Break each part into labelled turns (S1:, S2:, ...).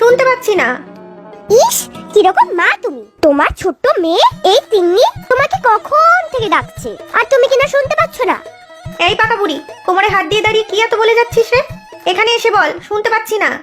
S1: শুনতে পাচ্ছি না।
S2: ইস, কিরকম মা তুমি! তোমার ছোট্ট মেয়ে এই তিন্নি তোমাকে কখন থেকে ডাকছে, আর তুমি কিনা শুনতে পাচ্ছ না।
S1: এই পাকা বুড়ি, কোমরে হাত দিয়ে দাঁড়িয়ে কি এত বলে যাচ্ছিস রে? এখানে এসে বল, শুনতে পাচ্ছি না।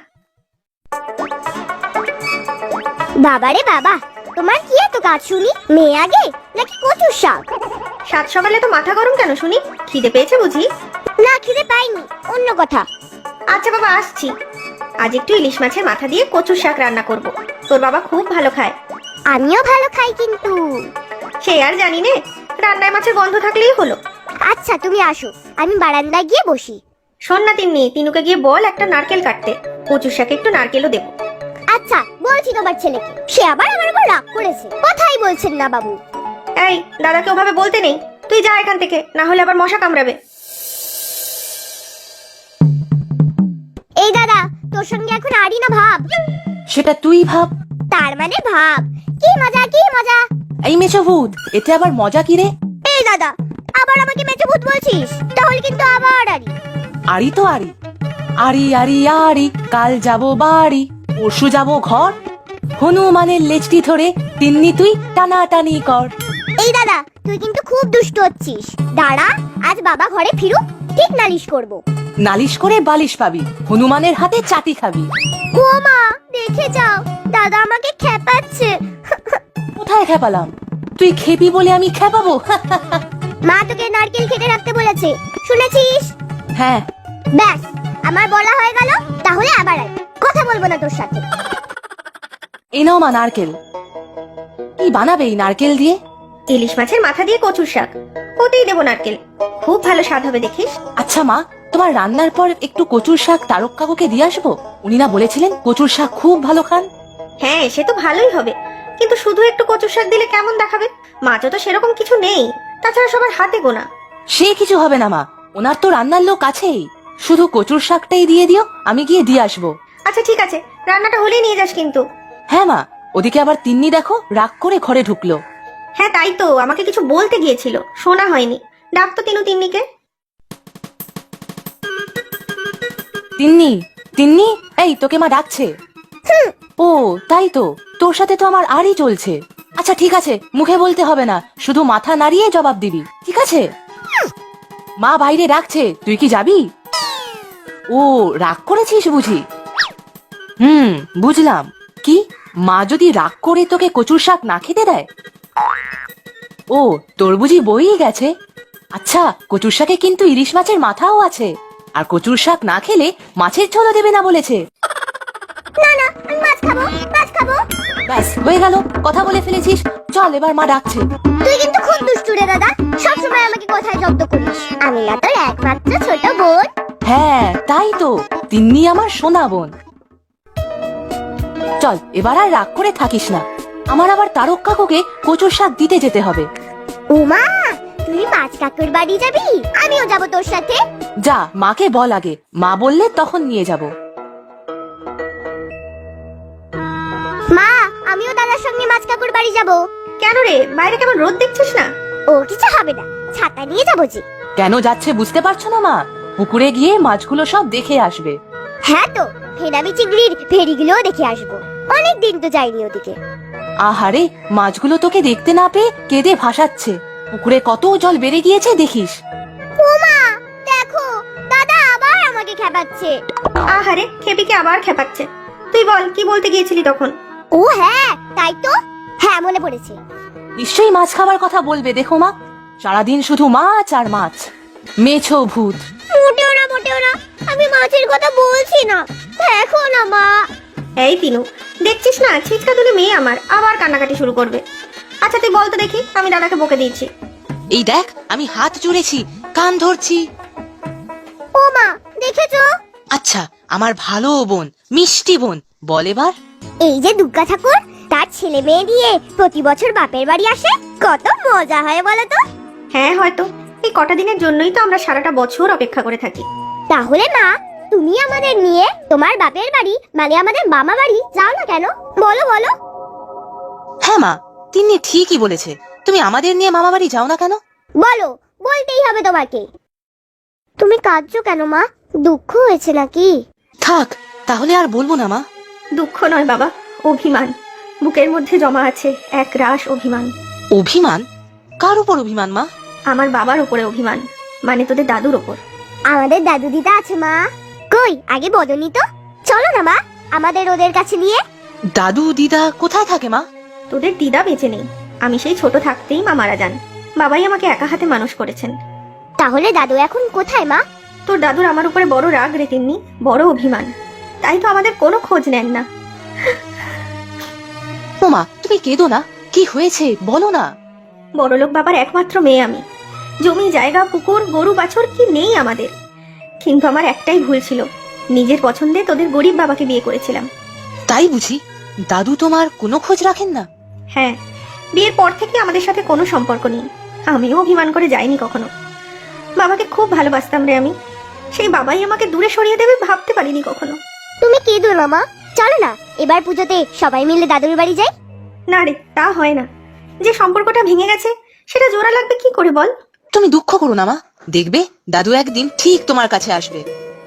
S2: বাবারে বাবা, তোমার কি এত কাজ শুনি? মেয়ে আগে নাকি কচুর শাক?
S1: সাত সকালে তো মাথা গরম কেন শুনি? খিদে পেয়েছে বুঝি?
S2: না, খিদে পাইনি, অন্য কথা।
S1: আচ্ছা বাবা, আসছি। আজ একটু ইলিশ মাছের মাথা দিয়ে কচুর শাক রান্না করব। তোর বাবা খুব ভালো খায়।
S2: আমিও ভালো খাই, কিন্তু
S1: সে আর জানি নে, রান্নায় মাছের গন্ধ থাকলেই হলো।
S2: আচ্ছা তুমি আসো, আমি বারান্দায় গিয়ে বসি।
S1: শোন না তিন্নি, তিনুকে গিয়ে বল একটা নারকেল কাটতে। কচুর শাকে একটু নারকেলও দেবো।
S2: আচ্ছা, বলছি তোমার ছেলেকে। সে আবার আমার উপর রাগ করেছে, কথাই বলছেন না বাবু।
S1: এই, দাদাকে ওভাবে বলতে নেই। তুই যা এখান থেকে, না হলে আবার মশা কামড়াবে।
S2: এই দাদা, তোর সঙ্গে এখন আরই না ভাব।
S3: সেটা তুই ভাব।
S2: তার মানে ভাব। কি মজা, কি মজা!
S3: এই মেছো ভূত, এতে আবার মজা কি রে?
S2: এই দাদা, আবার আমাকে মেচো ভূত বলছিস? তাহলে কিন্তু আবার আরি।
S3: আরি তো আরি, আরি আরি আরি, কাল যাব বাড়ি, পরশু যাব ঘর, হনুমানের লেজটি ধরে তিন্নি তুই টানাটানি কর।
S2: এই দাদা, তুই কিন্তু খুব দুষ্ট হচ্ছিস। দাঁড়া, আজ বাবা ঘরে ফিরুক, ঠিক নালিশ করব।
S3: নালিশ করে বালিশ পাবি, হনুমানের হাতে চাটি খাবি।
S2: ও মা, দেখে যাও, দাদা আমাকে খেপাচ্ছে।
S3: কোথায় খেপালাম? তুই খেপি বলে আমি খেপাবো?
S2: মা তোকে নারকেল খেতে রাখতে বলেছে, শুনেছিস?
S3: হ্যাঁ।
S2: ব্যাস, আমার বলা হয়ে গেল। তাহলে আবার আয়, কথা বলবো না তোর সাথে।
S3: এই নাও মা নারকেল। কি বানাবে এই নারকেল দিয়ে?
S1: ইলিশ মাছের মাথা দিয়ে কচুর শাক, ওতেই দেবো নারকেল। খুব ভালো স্বাদ হবে দেখিস।
S3: আচ্ছা মা, তোমার রান্নার পর একটু কচুর শাক তারক কাকুকে দিয়ে আসবো। উনি না বলেছিলেন কচুর শাক খুব ভালো খান?
S1: হ্যাঁ, সে তো ভালোই হবে, কিন্তু শুধু একটু কচুর শাক দিলে কেমন দেখাবে? মাছও তো সেরকম কিছু নেই, তাছাড়া সবার হাতে গোনা।
S3: সে কিছু হবে না মা, ওনার তো রান্নার লোক আছেই। শুধু কচুর শাকটাই দিয়ে দিও, আমি গিয়ে দিয়ে আসবো।
S1: আচ্ছা ঠিক আছে, রান্নাটা হলেই নিয়ে যাস কিন্তু।
S3: হ্যাঁ মা, ওদিকে আবার তিন্নি দেখো রাগ করে ঘরে ঢুকলো।
S1: হ্যাঁ তাই তো, আমাকে কিছু বলতে গিয়েছিল, শোনা হয়নি। ডাক তো তিনু তিন্নিকে।
S3: তিন্নি, তিন্নি, এই তোকে মা ডাকছে। ও তাই তো, তোর সাথে তো আমার আরই চলছে। আচ্ছা ঠিক আছে, মুখে বলতে হবে না, শুধু মাথা নাড়িয়ে জবাব দিবি, ঠিক আছে? মা বাইরে ডাকছে, তুই কি যাবি? ও, রাগ করেছিস বুঝি? বুঝলাম। কি, মা যদি রাগ করে তোকে কচুর শাক না খেতে দেয়? ও, তোর বুঝি বই গেছে। আচ্ছা, কচুর শাকে কিন্তু ইলিশ মাছের মাথাও আছে, আর কচুর শাক না খেলে মাছের ঝোলও দেবে না বলেছে।
S2: না না, আমি মাছ খাবো, মাছ খাবো।
S3: ব্যাস হয়ে গেল, কথা বলে ফেলেছিস। চল, এবার মা ডাকছে।
S2: তুই কিন্তু খুব দুষ্টু রে দাদা, সবসময় আমাকে কথায় জব্দ করিস। আমি না তোর একমাত্র ছোট বোন?
S3: হ্যাঁ তাই তো, তিন্নি আমার সোনা বোন। চল, এবার আর রাগ করে থাকিস না। আমার আবার তারক কাকুকে কচুর শাক দিতে যেতে হবে।
S2: উমা, তুই মাছ কাকুর বাড়ি যাবি? আমিও যাব তোর সাথে।
S3: যা, মাকে বল আগে, মা বললে তখন নিয়ে যাব।
S2: মা, আমিও দাদার সঙ্গে মাছ কাকুর বাড়ি যাব।
S1: কেন রে, বাইরে কেমন রোদ দেখছিস না?
S2: ও কিছু হবে না, ছাতা নিয়ে যাবো যে।
S3: কেন যাচ্ছে বুঝতে পারছো না মা? পুকুরে গিয়ে মাছগুলো সব দেখে আসবে।
S2: হ্যাঁ তো, ফেনামি চিংড়ির ভেড়িগুলোও দেখে আসবো। অনেক দিন তো যাইনি ওদিকে।
S3: আহারে, মাছগুলো তোকে দেখতে না পেয়ে কেঁদে ভাসাচ্ছে। পুকুরে কত জল বেড়ে গিয়েছে দেখিস।
S2: উমা, দেখো, দাদা আবার আমাকে খেপাচ্ছে।
S1: আহারে, খেপিকে আবার খেপাচ্ছে। তুই বল, কি বলতে গিয়েছিলি তখন?
S2: ও হ্যাঁ, তাই তো। হ্যাঁ, মনে পড়েছে।
S3: নিশ্চয়ই মাছ খাবার কথা বলবে, দেখো মা, সারাদিন শুধু মাছ আর মাছ। মেছো ভূত।
S2: মোটেও না, মোটেও না, আমি মাছের কথা বলছি না। দেখো না মা।
S1: এই তিনু, দেখছিস না ছিচকা তুলে মেয়ে আমার আবার কান্নাকাটি শুরু করবে। আচ্ছা তুই বল তো দেখি, আমি দাদাকে বকে দিয়েছি।
S3: এই দেখ, আমি হাত জুড়েছি, কান ধরছি।
S2: ও মা, দেখেছো?
S3: আচ্ছা, আমার ভালো বোন, মিষ্টি বোন, বল এবার।
S2: এই যে দুর্গা ঠাকুর, তার ছেলে মেয়ে নিয়ে প্রতি বছর বাপের বাড়ি আসে, কত মজা হয় বলো তো?
S1: হ্যাঁ হয়তো, এই কটা দিনের জন্যই তো আমরা সারাটা বছর অপেক্ষা করে থাকি।
S2: তাহলে মা, তুমি আমাদের নিয়ে তোমার বাপের বাড়ি মানে আমাদের মামা বাড়ি যাও না কেন? বলো বলো।
S3: হ্যাঁ মা, তিন্নি ঠিকই বলেছে, তুমি আমাদের নিয়ে মামা বাড়ি যাও না কেন?
S2: বলো, বলতেই হবে তোমাকে। তুমি কাঁদছো কেন মা? দুঃখ হয়েছে নাকি?
S3: থাক, তাহলে আর বলবো না মা।
S1: দুঃখ নয় বাবা, অভিমান। বুকের মধ্যে জমা আছে এক রাশ অভিমান।
S3: অভিমান? কার উপর অভিমান মা?
S1: আমার বাবার উপরে অভিমান, মানে তোদের দাদুর ওপর।
S2: আমাদের দাদু দিদা আছে মা। কই আগে বলনি তো? চলো না মা, আমাদের ওদের কাছে নিয়ে।
S3: দাদু দিদা কোথায় থাকে মা?
S1: তোদের দিদা বেঁচে নেই। আমি সেই ছোট থাকতেই মা মারা যান। বাবাই আমাকে একা হাতে মানুষ করেছেন।
S2: তাহলে দাদু এখন কোথায় মা?
S1: তোর দাদুর আমার উপরে বড় রাগ রে তিন্নি, বড় অভিমান। তাই তো আমাদের কোনো খোঁজ নেন না।
S3: ও মা, তুমি কেঁদো না। কি হয়েছে বলো না।
S1: বড়লোক বাবার একমাত্র মেয়ে আমি। জমি জায়গা পুকুর গরু বাছুর কি নেই আমাদের। কিন্তু আমার একটাই ভুল ছিল, নিজের পছন্দে তোদের গরিব বাবাকে বিয়ে করেছিলাম।
S3: তাই বুঝি? দাদু তোমার কোনো খোঁজ রাখেন না?
S1: হ্যাঁ, বিয়ের পর থেকে আমাদের সাথে কোনো সম্পর্ক নেই। আমিও অভিমান করে যাইনি কখনো। বাবাকে খুব ভালোবাসতাম রে আমি। সেই বাবাই আমাকে দূরে সরিয়ে দেবে ভাবতে পারিনি কখনো।
S2: তুমি কেঁদো না মা, চলো না এবার পুজোতে সবাই মিলে দাদুর বাড়ি যাই।
S1: না রে, তা হয় না। যে সম্পর্কটা ভেঙে গেছে সেটা জোড়া লাগবে কি করে বল?
S3: তুমি দুঃখ করো না মা, দেখবে দাদু একদিন ঠিক তোমার কাছে আসবে।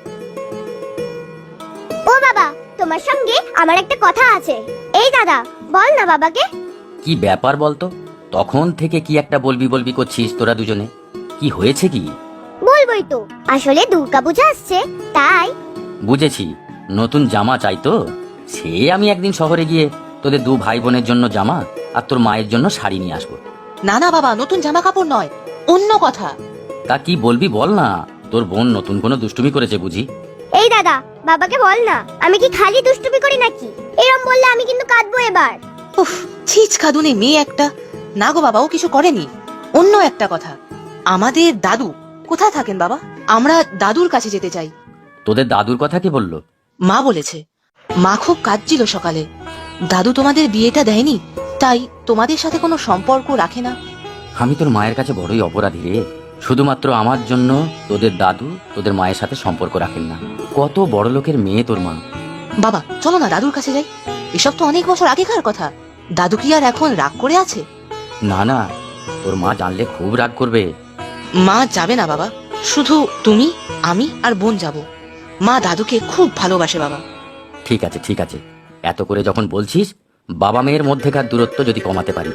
S2: ও বাবা, তোমার সঙ্গে আমার একটা কথা আছে। এই দাদা, বল না বাবাকে।
S4: কি ব্যাপার বলতো? তখন থেকে কি একটা বলবি বলবি করছিস তোরা দুজনে? কি হয়েছে কি?
S2: বলবোই তো, আসলে দুর্গা পূজা আসছে তাই।
S4: বুঝেছি, নতুন জামা চাই তো। সে আমি একদিন শহরে গিয়ে তোদের দু ভাই বোনের জন্য জামা আর তোর মায়ের জন্য শাড়ি নিয়ে আসবো।
S3: না না বাবা, নতুন জামা কাপড় নয়, অন্য কথা।
S4: তা কি বলবি বল না। তোর বোন নতুন কোনো দুষ্টুমি করেছে বুঝি?
S2: এই দাদা, বাবাকে বল না, আমি কি খালি দুষ্টুমি করি নাকি? এরম বললে আমি কিন্তু কাঁদবো এবার।
S3: উফ, ছিচ খাদুনে মেয়ে একটা। না গো বাবা, ও কিছু করেনি। অন্য একটা কথা, আমাদের দাদু কোথায় থাকেন বাবা? আমরা দাদুর কাছে যেতে চাই।
S4: তোদের দাদুর কথা কে বললো?
S3: মা বলেছে। মা খুব কাঁদছিল সকালে। দাদু তোমাদের বিয়েটা দেয়নি, তাই তোমাদের সাথে কোনো সম্পর্ক রাখে না।
S4: আমি তোর মায়ের কাছে বড়ই অপরাধী রে। শুধুমাত্র আমার জন্য তোদের দাদু তোদের মায়ের সাথে সম্পর্ক রাখেন না। কত বড় লোকের মেয়ে তোর মা।
S3: বাবা চলো না দাদুর কাছে যাই। এসব তো অনেক বছর আগেকার কথা। দাদু কি আর এখন রাগ করে আছে?
S4: না না, তোর মা জানলে খুব রাগ করবে।
S3: মা যাবে না বাবা, শুধু তুমি আমি আর বোন যাব। মা দাদুকে খুব ভালোবাসে বাবা।
S4: ঠিক আছে ঠিক আছে, এত করে যখন বলছিস, বাবা মেয়ের মধ্যেকার দূরত্ব যদি কমাতে পারি।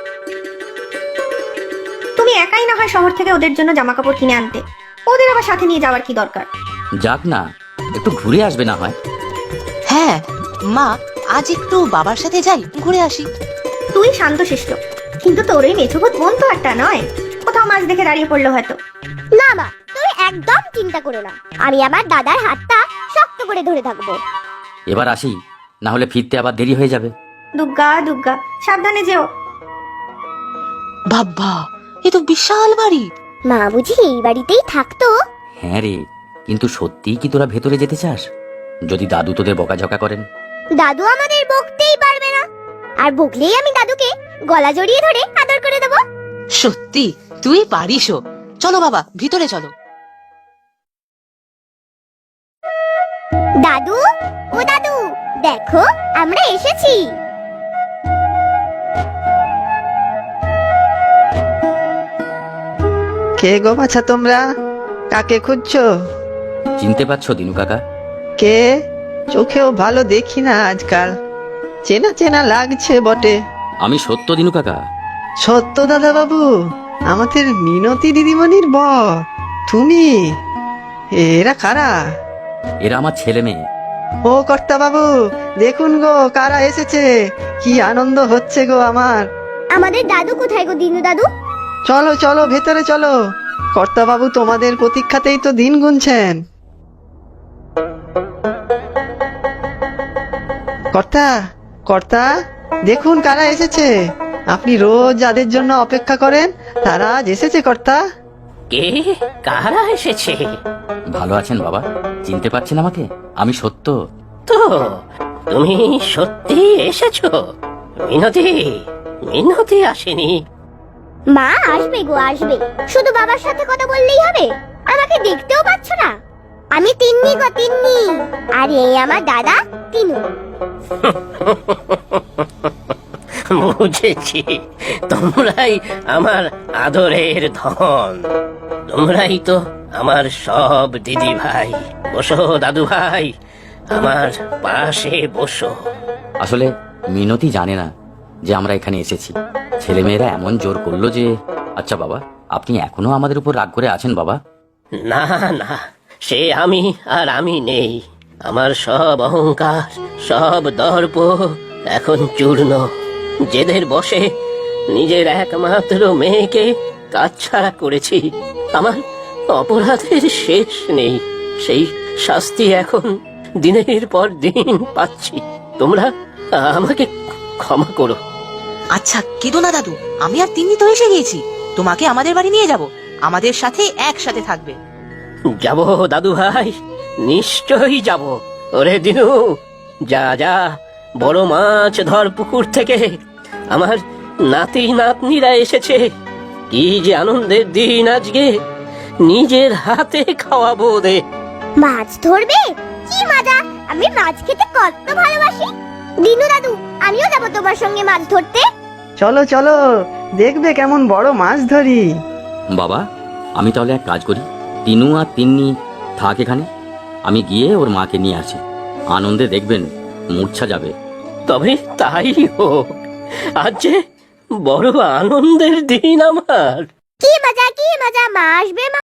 S1: তুমি একাই না হয় শহর থেকে ওদের জন্য জামা কাপড় কিনে আনতে। ওদের আবার সাথে নিয়ে যাওয়ার কি দরকার?
S4: যাক না, একটু ঘুরে আসবে না হয়।
S3: হ্যাঁ মা, আজ একটু বাবার সাথে যাই, ঘুরে আসি।
S1: তুই শান্তশিষ্ট, কিন্তু তোর ওই মেছুবত বোন তো একটা নয়। কোথাও মাছ দেখে দাঁড়িয়ে পড়লো হয়তো।
S2: না মা, তুমি একদম চিন্তা করো না, আমি আমার দাদার হাতটা শক্ত করে ধরে থাকবো।
S4: এবার আসি, না হলে ফিরতে আবার দেরি হয়ে যাবে।
S1: দুগ্গা দুগ্গা, সাবধানে যেও।
S3: বাবা, এ তো বিশাল বাড়ি।
S2: মা বুঝি এই বাড়িতেই থাকতো?
S4: হ্যাঁ রে, কিন্তু সত্যিই কি তোরা ভেতরে যেতে চাস? যদি দাদু তোদের বকাঝকা করেন?
S2: দাদু আমাদের বকতেই পারবে না, আর বকলেই আমি দাদুকে গলা জড়িয়ে ধরে আদর করে দেবো।
S3: সত্যি তুই পারিসও। চলো বাবা, ভিতরে চলো।
S2: দাদু, ও দাদু, দেখো আমরা এসেছি।
S5: কে গো বাছা তোমরা? কাকে খুঁজছো?
S4: চিনতে পারছো দিনু কাকা?
S5: কে? চোখেও ভালো দেখি না আজকাল। চেনা চেনা লাগছে বটে।
S4: আমি সত্য দিনু কাকা।
S5: সত্য দাদা বাবু, আমাদের মিনতি দিদিমণির বর তুমি? এরা কারা?
S4: এরা আমার ছেলে মেয়ে।
S5: ও কর্তা বাবু, দেখুন গো কারা এসেছে। কি আনন্দ হচ্ছে গো আমার।
S2: আমাদের দাদু কোথায় গো দিনু দাদু?
S5: চলো চলো ভেতরে চলো। কর্তা বাবু তোমাদের প্রতীক্ষাতেই তো দিন গুনছেন। কর্তা, কর্তা, দেখুন কারা এসেছে। আপনি রোজ যাদের জন্য অপেক্ষা করেন তারা আজ এসেছে কর্তা।
S6: কে? কারা এসেছে?
S4: ভালো আছেন বাবা? চিনতে পারছেন আমাকে? আমি সত্য।
S6: তো তুমি সত্যি এসেছো? মিনতি, মিনতি আসেনি?
S2: মা আসবে গো আসবে, শুধু বাবার সাথে কথা বললেই হবে? আমাকে দেখতেও পাচ্ছ না? আমি তিন্নি গো তিন্নি, আর এই আমার দাদা তিনু।
S6: বুঝেছি, তোমরাই আমার আদরের ধন। তোমরাই তো আমার সব দিদি ভাই। বসো দাদু ভাই, আমার পাশে বসো।
S4: আসলে মিনতি জানে না যে আমরা এখানে এসেছি। ছেলেমেয়েরা এমন জোর করলো যে। আচ্ছা বাবা, আপনি এখনো আমাদের উপর রাগ করে আছেন বাবা?
S6: না না, সে আমি আর আমি নেই। আমার সব অহংকার, সব দর্প এখন চূর্ণ। জেদের বসে নিজের একমাত্র মেয়েকে কাছছাড়া করেছি। আমার অপরাধের শেষ নেই। সেই শাস্তি এখন দিনের পর দিন পাচ্ছি। তোমরা আমাকে ক্ষমা করো।
S3: আচ্ছা কেঁদো না দাদু, আমি আর তিন্নি তো এসে গিয়েছি। তোমাকে আমাদের বাড়ি নিয়ে যাব, আমাদের সাথে একসাথে থাকবে।
S6: যাব দাদু ভাই, নিশ্চয়ই যাব। ওরে দিনু, যা যা, বড় মাছ ধর পুকুর থেকে। আমার নাতি নাতনিরা এসেছে। কি যে আনন্দের দিন আজকে, নিজের হাতে খাওয়াবো দে।
S2: মাছ ধরবে? কি মজা! আমি মাছ খেতে কত ভালোবাসি। দিনু দাদু, আমিও যাব তোমার সঙ্গে মাছ ধরতে।
S5: চলো চলো, দেখবে কেমন বড় মাছ ধরি।
S4: বাবা, আমি তাহলে এক কাজ করি, তিনু আর তিন্নি থাক এখানে, আমি গিয়ে ওর মাকে নিয়ে আসি। আনন্দে দেখবেন মূর্ছা যাবে।
S6: তবে তাই হোক, আজ যে বড় আনন্দের দিন আমার।
S2: কি মজা, কি মজা! মা আসবে,